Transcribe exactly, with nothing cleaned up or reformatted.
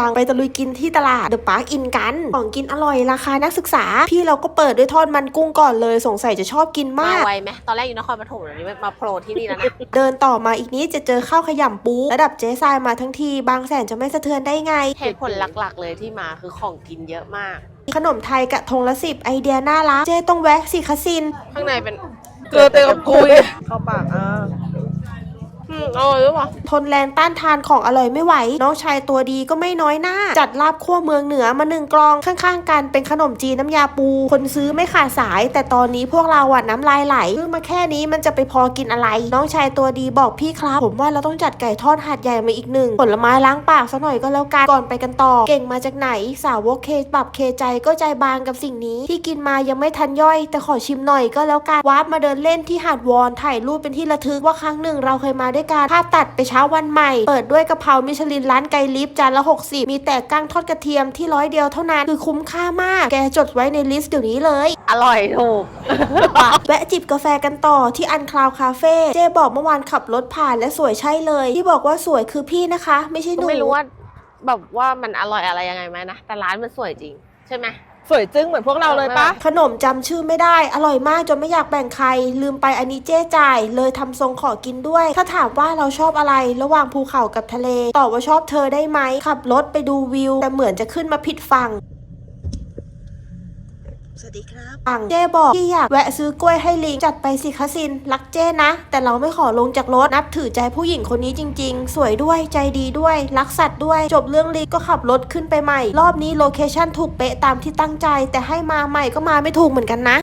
งไปตะลุยกินที่ตลาดเดอะปาร์คอินกันของกินอร่อยราคานักศึกษาพี่เราก็เปิดด้วยทอดมันกุ้งก่อนเลยสงสัยจะชอบกินมากมาไวไหมตอนแรกอยู่นครปฐมเดี๋ยวนี้มาโผล่ที่นี่แล้วนะเดินต่อมาอีกนิดจะเจอข้าวขยำปูระดับเจ๊ทรายมาทั้งทีบางแสนจะไม่สะเทือนได้ไงเหตุผลหลักๆเลยที่มาคือของกินเยอะมากขนมไทยกะทงละสิบไอเดียน่ารักเจ๊ต้องแวะสิคะซินข้างในเป็นเกลือเต็มกับกุยเข้าปากอ่ะอืมอร่อยหรือเปล่าทนแรงต้านทานของอร่อยไม่ไหวน้องชายตัวดีก็ไม่น้อยหน้าจัดลาบคั่วเมืองเหนือมาหนึ่งกล่องข้างๆกันเป็นขนมจีนน้ำยาปูคนซื้อไม่ขาดสายแต่ตอนนี้พวกเราอ่ะน้ำลายไหลซื้อมาแค่นี้มันจะไปพอกินอะไรน้องชายตัวดีบอกพี่ครับผมว่าเราต้องจัดไก่ทอดหาดใหญ่มาอีกหนึ่งผลไม้ล้างปากซะหน่อยก็แล้วกันก่อนไปกันต่อเก่งมาจากไหนสาวกเคปรับเคใจก็ใจบางกับสิ่งนี้ที่กินมายังไม่ทันย่อยแต่ขอชิมหน่อยก็แล้วกันวาร์ปมาเดินเล่นที่หาดวอนถ่ายรูปเป็นที่ระทึกว่าครั้งหนึ่งเราเคยมาด้วยกันภาพตัดไปเช้าวันใหม่เปิดด้วยกะเพรามิชลินร้านไกลิฟจานละหกสิบมีแต่กั้งทอดกระเทียมที่ร้อยเดียวเท่านั้นคือคุ้มค่ามากแกจดไว้ในลิสต์เดี๋ยวนี้เลยอร่อยถูกแวะจิบกาแฟกันต่อที่อันคลาวคาเฟ่เจ๊บอกเมื่อวานขับรถผ่านและสวยใช่เลยที่บอกว่าสวยคือพี่นะคะไม่ใช่หนูไม่รู้ว่าแบบว่ามันอร่อยอะไรยังไงไหมนะแต่ร้านมันสวยจริงใช่ไหมสวยจึ้งเหมือนพวกเราเลยปะขนมจำชื่อไม่ได้อร่อยมากจนไม่อยากแบ่งใครลืมไปอันนี้เจ๊จ่ายเลยทำทรงขอกินด้วยถ้าถามว่าเราชอบอะไรระหว่างภูเขากับทะเลตอบว่าชอบเธอได้ไหมขับรถไปดูวิวแต่เหมือนจะขึ้นมาผิดฝั่งสวัสดีครับเจ๊บอกพี่อยากแวะซื้อกล้วยให้ลิงจัดไปสิคะซินรักเจ๊นะแต่เราไม่ขอลงจากรถนับถือใจผู้หญิงคนนี้จริงๆสวยด้วยใจดีด้วยรักสัตว์ด้วยจบเรื่องลิงก็ขับรถขึ้นไปใหม่รอบนี้โลเคชั่นถูกเป๊ะตามที่ตั้งใจแต่ให้มาใหม่ก็มาไม่ถูกเหมือนกันนะ